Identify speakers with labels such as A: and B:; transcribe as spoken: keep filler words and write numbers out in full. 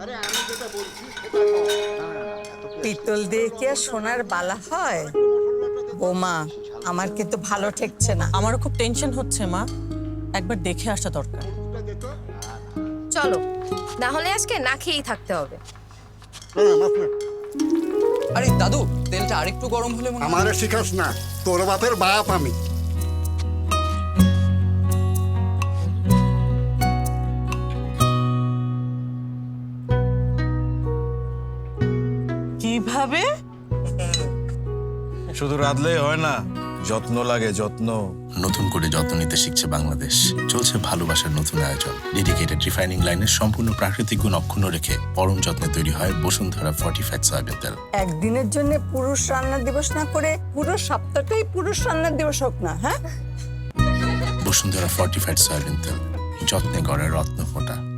A: পিতল দিয়ে কি আর সোনার বালা হয়? বোমা, আমার কিন্তু ভালো ঠেকছে না।
B: আমারও খুব টেনশন হচ্ছে মা, একবার দেখে আসা দরকার।
C: চলো, না হলে আজকে না খেয়েই থাকতে হবে।
D: আরে দাদু, তেলটা আরেকটু গরম হলে মনে হয়।
E: আমারে শিখাস না, তোর বাপের বাপ আমি।
B: কিভাবে?
F: শুধু রাঁধলেই হয় না, যত্ন লাগে, যত্ন।
G: নতুন করে যত্ন নিতে শিখছে বাংলাদেশ। চলছে ভালোবাসার নতুন আয়োজন। ডেডিকেটেড রিফাইনিং লাইনের সম্পূর্ণ প্রাকৃতিক গুণ অক্ষুণ্ণ রেখে পরম যত্নে তৈরি হয় বসুন্ধরা ফর্টিফাইড সয়াবিন তেল।
A: একদিনের জন্য পুরুষ রান্না দিবস না করে পুরো সপ্তাহটাই পুরুষ রান্নার দিবস হোক না, হ্যাঁ?
G: বসুন্ধরা ফর্টিফাইড সয়াবিন তেল, যত্নে গড়ে রত্ন ফোঁটা।